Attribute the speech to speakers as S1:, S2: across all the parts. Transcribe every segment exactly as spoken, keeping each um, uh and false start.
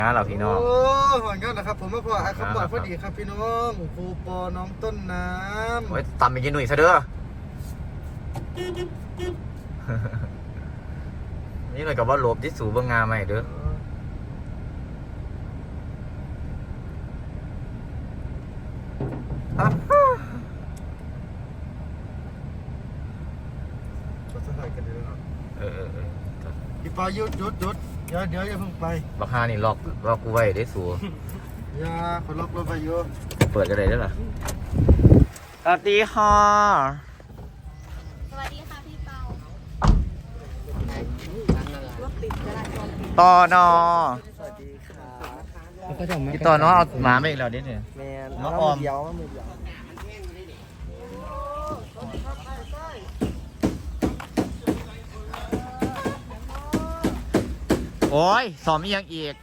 S1: นะเราพี่น้อง
S2: โอ้หอนกันนะครับผมมาพอไอ้คำบอกพอดีครับพี่น้องครูปอน้องต้นน้ำ
S1: โอ้ยตำไปกินหนุ่ยซะเด้อนี่หน่อยกับว่าลบที่สูบงาใหม่เด้อ
S2: ก็สบายกันดีแล้วเนาะ
S1: เออเออเออ
S2: พี่ปอยุดยุดยุดเดี๋ยวเดี๋ยวอย่าเพิ่งไป
S1: บักฮานี่ล็อกล็อกกูไว้ได้สู
S2: อย่าขอล็อกรถไปอยู่
S1: เปิดกันเลยได้หรอสวัสดีค่ะ
S3: สวัสดีค่ะพี่เปา
S1: ต่อนอ
S2: สวัสดีค่ะ
S1: พี่ต่อนอเอาหมาไปอีกแล้วเด็ดเนี่ย
S2: แมน
S1: น้องออม
S2: เดียวมือเดียว
S1: โอ้ยสอมอีกยังอีก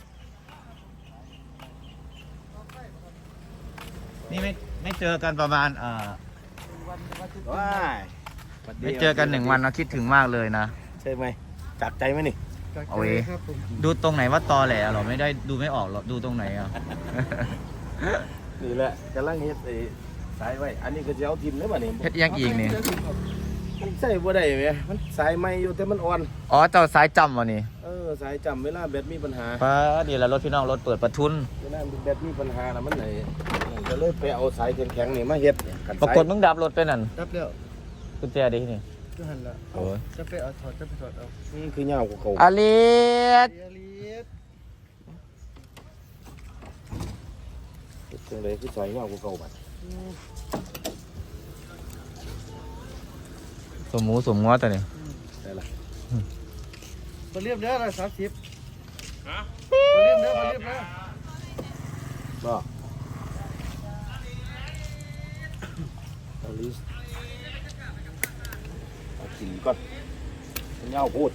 S1: นี่ไม่ไม่เจอกันประมาณเอ่อ
S4: ว้าย
S1: ไม่เจอกันหนึ่งวันนะคิดถึงมากเลยนะ
S4: ใช่ไหมจับใจไหมนี่
S1: เอาเว้ย
S2: ครับผม
S1: ดูตรงไหนว่าตอแหลเหรอไม่ได้ดูไม่ออกหรอดูตรงไหนอ่ะ
S4: นี่แหละกำลังเฮ็ดไอ้สายไว้ อันนี้ก็จะเอาทิมได้ป่ะนี่
S1: เฮ็ดอีกยังอีกนี่
S4: มันใส่บ่ได้ไหมมันสายไม่อยู่แต่มันอ่อน
S1: อ๋อเจ้าสายจำวะนี่
S4: เออสายจำเวลาแบตมีปัญหา
S1: ป้าดีแล้วรถพี่น้องรถเปิดประทุน
S4: เวลาแบตมีปัญหาแล้วมันไหนก็เลยไปเอาสายแข็งๆนี่มาเฮ็ดกัน
S1: ปรากฏมึงดับรถไปนั่น
S2: ดับเดียว
S1: กุญแจดินี่
S2: ก็หันละ
S1: โอ้ย
S2: จะไปเอาถอดจะไปถอดเอา
S4: นี่คือเหย้าของเขา
S1: อลิส
S2: เดียรีด
S4: จังเลยคือสายเหย้าของเขาบัด
S1: สมหมูสมงัวตัวนี้
S4: ได้ละ
S2: มาเรียบเด้อละสามสิบฮะมาเรียบเด้อมาเรียบเด้อ
S4: ก็อลิสเอากินก่อนเหย้าพูด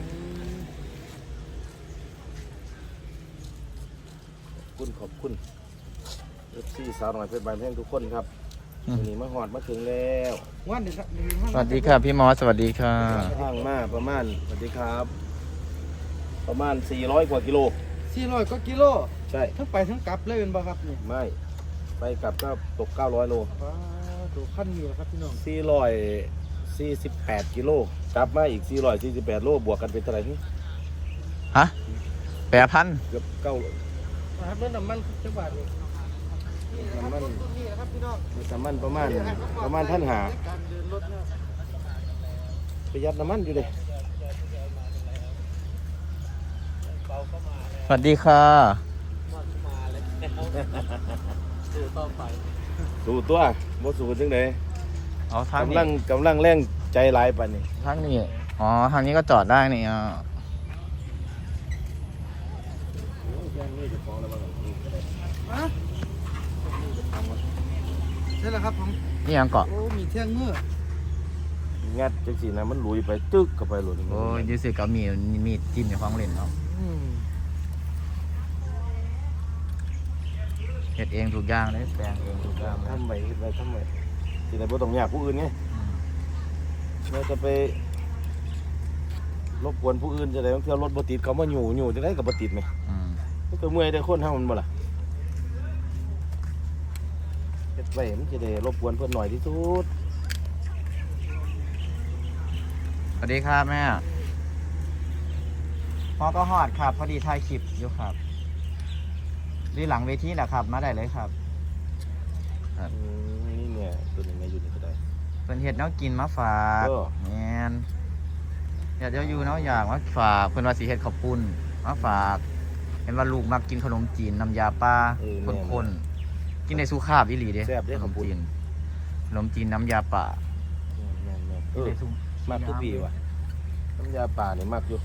S4: ขอบคุณขอบคุณเอฟซีสาวหน่อยเพชรบานแพงทุกคนครับวันนี้มาหอดมาถึงแล้ว
S2: วันนี้ครับ
S1: สวัสดีค่ะพี่มอสสวัสดีค่ะ
S4: ทางมาประมาณสวัสดีครับ ประมาณสี่ร้อยกว่ากิโล
S2: สี่ร้อยก็กิโล
S4: ใช่
S2: ทั้งไปทั้งกลับเลยเป็นบ่ครับนี่
S4: ไม่ไปกลับก็ตกเก้าร้อยโล
S2: ว้าวตัวขั้นนี้แหละครับพี่น้อง
S4: สี่ร้อยสี่สิบแปดกิโลกลับมาอีกสี่ร้อยสี่สิบแปดโลบวกกันเป็นเท่าไหร่นี่
S1: ฮะแปดพัน
S4: เกือบเก้า
S2: นะครับเรื่องน้ำมันจังหวัดนี่น้ำมันนี่แหละครับพี่น้อง
S4: น้ำมันประมาณประมาณพันหา
S2: การเดินรถเนี่ย
S4: ประหยัดน้ำมันอยู่เลย
S1: สวัสดีค่ะ
S4: สู้ตัวบ่สู้จังได
S1: เอาทาง
S4: กำ
S1: นี้
S4: ลังกำลังแรงใจหลายปานนี้
S1: ทางนี้อ๋อทางนี้ก็จอดได้นี่อ่ะ
S2: ใช่แล้วครับผม
S1: นี่ยังเกาะ
S2: โอ้มีเที่ยงเมื่อ
S4: งัดจังสีนะมันลุยไปตึกเข้าไปหลุด
S1: โอ้ยยูสิกับมีมีดจิ้มในของเล่นเนาะ
S2: อืม
S1: เฮ็ดเองทุกอย่างเลยแปลงเองทุกอย่างเลย
S4: ทำไมเฮ็ดไว้ทำไมสิได้บ่ต้องยากผู้อื่นไงเราจะไปรบกวนผู้อื่นจะได้บางเที่ยวรถบ่ติดเขามาอยู่อยู่จะได้กับบ่ติดไหม
S1: อืม
S4: มันก็เมื่อยได้คนเฮามันบ่ล่ะเฮ็ดไว้มันจะได้รบกวนเพิ่นหน่อยที่สุด
S1: สวัสดีครับแม่พอก็ฮอดครับ พอดีถ่ายคลิปอยู่ครับรีหลังเวทีแหละครับ มาได้เลยครับ
S4: อืมนี่เนี่ยตัวนี้มาอยู่นี่ก็ได้
S1: เป็นเห็ดแนวกินมาฝาก
S4: เออ
S1: แมนอยากจะอยู่เนาะอยากมาฝากเพิ่นว่าสิเฮ็ดข้าวปุ้นมาฝากเห็นว่าลูกมักกินขนมจีนน้ำยาปลาคนๆกินในสุขาบอีหลีเด้
S4: แซ่บเด้
S1: ขน
S4: ขอบ
S1: ม
S4: คุณ
S1: จีนขนมจีนน้ำยาป่า
S4: แม่นๆเอ
S1: กิน
S4: อ
S1: ในสุ
S4: มากทุกปีว่ะน้ำยาป่านี่มากอยู่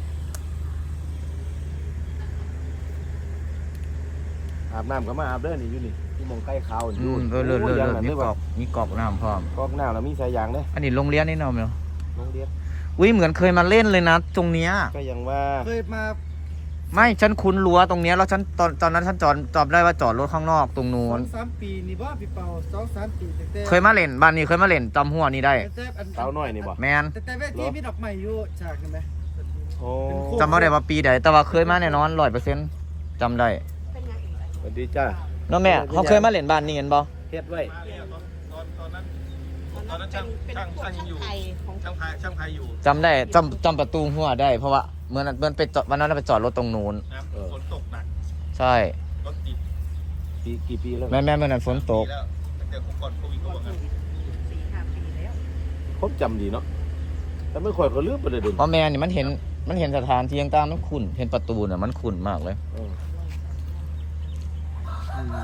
S4: อาบน้ำก็มาอาบเด้อนี่อยู่นี่ที่มองใกล้เขา
S1: อื
S4: อยู่
S1: มเออเลิศเลิศ
S4: โอ้ย
S1: เลิศ
S4: ยาง
S1: มี
S4: นั่น
S1: กร
S4: ได้
S1: อกมีกรอกน้ำพร้อม
S4: กอกน้ำแล้วมีสายยางเด้อ
S1: อันนี้โรงเรียนนี่เนาะแม่
S4: โรงเรียน
S1: อุ้ยเหมือนเคยมาเล่นเลยนะตรงเนี้ย
S4: ก็ยังว่า
S2: เคยมา
S1: ไม่ฉันคุ้นรั้วตรงเนี้ยแล้วฉันตอนตอนนั้นฉันจอดจอดได้ว่าจอดรถข้างนอกตรงนู้
S2: สอน งสามปีนี่บ่พี่เปาสองสามปีแต่แต่
S1: เคยมาเล่นบ้านนี้เคยมาเล่นจำหัวนี่ได้
S2: แต่อัน
S4: สาวน้อยนี่บ่
S1: แมน
S2: แต่แต่เวทีมีดอกไม้อยู่ฉากเห็นไหม
S4: โอ้
S1: จำไม่ได้ว่าปีใดแต่ว่าเคยมาแน่นอนร้อยเปอร์เซ็นต์จำได้
S3: เป็นไง
S4: สวัสดีจ้า
S1: เนาะแม่เขาเคยมาเล่นบ้านนี่เห็นบ่
S4: เฮ็ดไว้
S5: ตอนตอนนั้นตอนนั้นช่างช่างช่างยังอยู่
S3: ไทยของ
S5: ช่างพายช่างพายอยู่
S1: จำได้จำจำประตูหัวได้เพราะว่าเมื่อนั้นเมื่อไปจอดวันนั้นเราไปจอดรถตรงนู้น
S5: นะฝนตกหนัก
S1: ใช่
S5: รถติด
S4: ปีกี่ปีแล้ว
S1: แม่แม่เมื่อนั้นฝนตก
S5: ปีแล้วตั้งแต่ก่อนโควิดก็ว่างั้น
S3: สี่ห้าปีแล้ว
S4: ผมจำดีเนาะแต่ไม่ค่อยก็ลืมไปเลยเดิ
S1: เพราะแม่นี่มันเห็นมันเห็นสถานที่ต่างๆมันคุ้นเห็นประตูเนี่ยมันคุ้นมากเลย
S4: เอออืม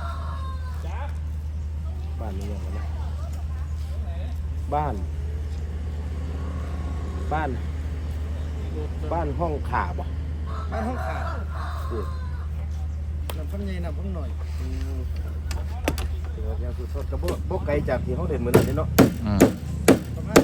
S4: บ้านนี้ยังไงนะบ้าน บ้าน บ้านห้องขาบ่
S2: บ้านห้องขาด
S4: เออ
S2: น้ำพันใหญ่น้ำพันหน่อย
S4: อืมเดี๋ยวยังคือสดกระโบกบกไกลจากที่เขาเด่นเหมือนกันนี่เนาะ
S1: อืม
S2: ประมาณ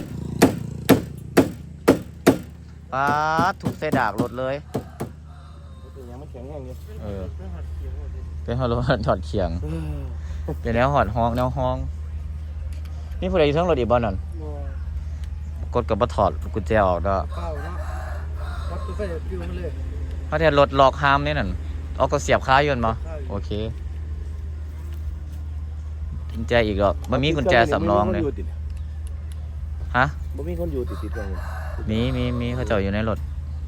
S1: ป้าดถูกเสดากรถเลย
S4: เป็นยังมันแข็งแห้งอยู่
S1: เออ
S2: เรื่องหัดเขียวหมดเลย
S1: เป็นฮอลโลถอดเขียง
S4: เออ
S1: เป็นแนวหอดห้องแนวห้องนี่ผู้ใดอยู่เทั้งรถอีกบ่นั่น
S2: บ่
S1: กดกับบ่ถอดกุญแจออกเด้อ
S2: เปล่าเนาะวัดตัวไปฟิวมาเลย
S1: เพราะที่รถล็อกห้ามนี่นั่นเอาก็เสียบค้าอยนต์บ่โอเคกุญแจอีกแล้วบ่มีกุญแจสำรองเลยฮะ
S4: บ่มีคนอยู่ติดติดๆกันเลย
S1: มีมีมีเขาเจ้าอยู่ในรถ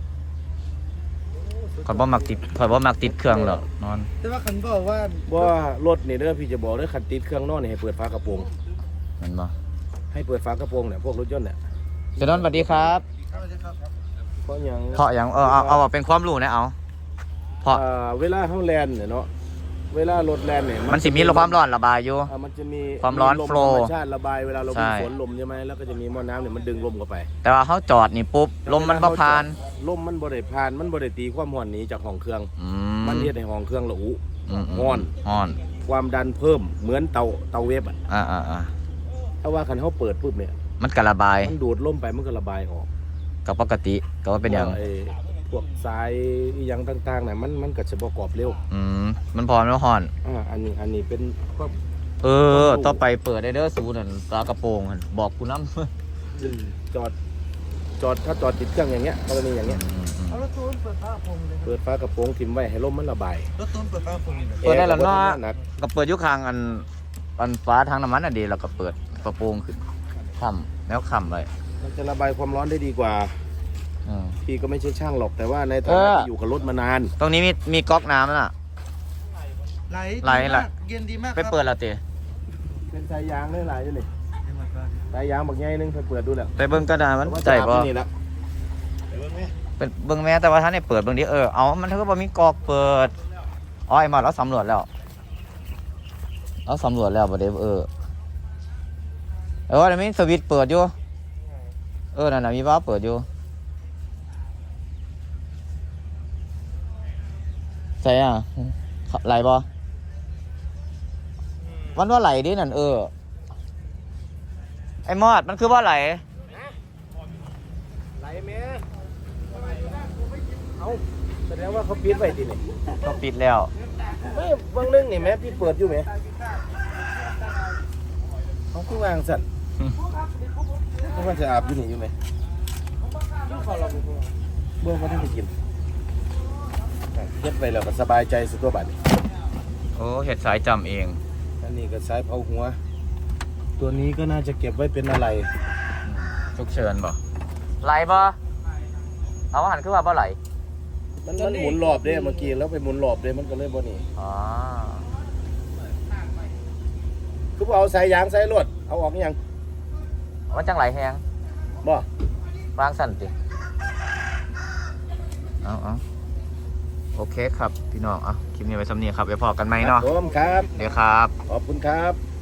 S1: ข่อยบ่มักติดข่อยบ่มักติดเครื่องหรอกนอน
S2: แต่ว่าคันบอกว่า
S4: ว่ารถนี่เด้อพี่จะบอกเด้อคันติดเครื่องนอนนี่ให้เปิดฝากระโปรง
S1: แมันบ่
S4: ให้เปิดฝากระโปรงเนี่ยพวกรถยนต์เนี่ย
S1: เจนนท์สวัสดีครับ
S2: เอาเลยครับ
S4: เพราะหยัง
S1: เพราะอย่างเออเอาเอาเป็นความรู้นะเอาเพราะ
S4: อ่าเวลาเฮาแลนเนี่ยเนาะเวลารถแลนเนี่ย
S1: มันสิมีความร้อนระบายอยู่
S4: อ่ามันจะมี
S1: ความร้อน
S4: ลม
S1: flow
S4: ธรรมชาติระบายเวลาเรา
S1: ใช่
S4: มีฝนลมใช่ไหมแล้วก็จะมีหม้อน้ำเนี่ยมันดึงลมเข้าไป
S1: แต่ว่าเขาจอดนี่ปุ๊บลมมันบ่ผ่าน
S4: ลมมันบ่ได้ผ่านมันบ่ได้ตีความร้อนหนีจากห้องเครื่อง
S1: อื
S4: มันเฮ็ดให้ห้องเครื่องระอุ
S1: อืม
S4: ร้อน
S1: ฮ้อน
S4: ความดันเพิ่มเหมือนเตาเตาเวฟอ่ะ
S1: อ่าอ่าอ่า
S4: ถ้าว่าคันเฮาเปิดปุ๊บเนี่ย
S1: มันก็ระบาย
S4: มันดูดลมไปมันก็ระบายออก
S1: ก็ปกติก็ว่าเป็นอย่าง
S4: ไอ้พวกสายอหยังต่างๆเนี่ยมันมันก็จะประกอบเร็ว
S1: อืมมันพอมันฮ้อน
S4: อ่าอันนี้อันนี้เป็นก็
S1: เออต่อไปเปิดได้เด้อสูนั่นฝากระโปรงหั่นบอกกูนำ
S4: จอดจอดถ้าจอดติดเครื่องอย่างเงี้ยกรณีอย่างเงี้ย
S2: เอารถตูนเปิดฟ้าพงเลยครับ
S4: เปิดฝากระโปรงทิ้งไว้ให้ลมมันระบาย
S2: รถตูนเปิดฟ้าพงนี่นะ
S1: เปิดได้แล้วเนาะ
S4: แอร์ก็บ่ทำงหนัก
S1: ก็เปิดอยู่ข้างอันอันฟ้าทางน้ำมันน่ะดีแล้วก็เปิดกระโปรงขึ้นค่ำแล้วค่ำไว้
S4: มันจะระบายความร้อนได้ดีกว่า
S1: อืม
S4: พี่ก็ไม่ใช่ช่างหรอกแต่ว่าในฐา
S1: เอ
S4: นะ
S1: อ
S4: ที่อยู่กับรถมานาน
S1: ตรงนี้มีมีก๊อกน้ำน่ะ
S2: ไหล
S1: ไหล
S2: ดี
S1: ไหล
S2: มากเย็นดีมาก
S1: ไปเปิดแล้วติ
S4: เป็นสายยางได้หลายอยู่นี่สายยางบักใหญ่นึงไปเปิดดูแล้ว
S1: ไปเบิ่งกระดาษมันใจบ่
S4: นี่ละ
S1: เป็นเบิ่งแม่แต่ว่าท่านได้เปิดเบิ่งดิเออเอามันเท่ากับว่ามีกอกเปิดอ๋อไอ้มาเราสำรวจแล้วเราสำรวจแล้วบ่ได้เออเออแล้วมีสวิตช์เปิดอยู่เออนั่นน่ะมีวาล์วเปิดอยู่ใช่อ่ะไหลบ่มันว่าไหลดินั่นเออไอ้มอดมันคือว่าไหล
S4: ไหลแม่เอาแสดงว่าเขาปิดไว้ทีนี่
S1: ก็ปิดแล้ว
S4: ไม่บางนึงนี่แม่พี่เปิดอยู่ไหมเขาคือวางสั่นเขาว่าจะอาบอยู่นี่อยู่ไหมเบื้องเขาที่ไปกินเฮ็ดไปแล้วก็สบายใจสุดตัวบัดนี้
S1: โอ้เห็ดสายจำเอง
S4: อันนี้ก็สายเผาหัว ตัวนี้ก็น่าจะเก็บไว้เป็นอะไร
S1: ฉุกเฉินบ่ไหลบ่เอาอาหันคือว่าบ่ไหล
S4: มันมันหมุนรอบเด้เมื่อกี้แล้วไปหมุนรอบเด้มันก็เลยบ่นี่
S1: อ๋อ
S4: คือบ่เอาสายยางสายรวดเอาออกยัง
S1: มันจังไหลแหง
S4: บ่
S1: วางสั่นติเอาเอาโอเคครับ พี่น้องอ่ะคลิปนี้ไว้สำเนียครับไว้พอกันไหมเนาะ
S4: ผมครับ
S1: เดี๋ยวครับ
S4: ขอบคุณครับ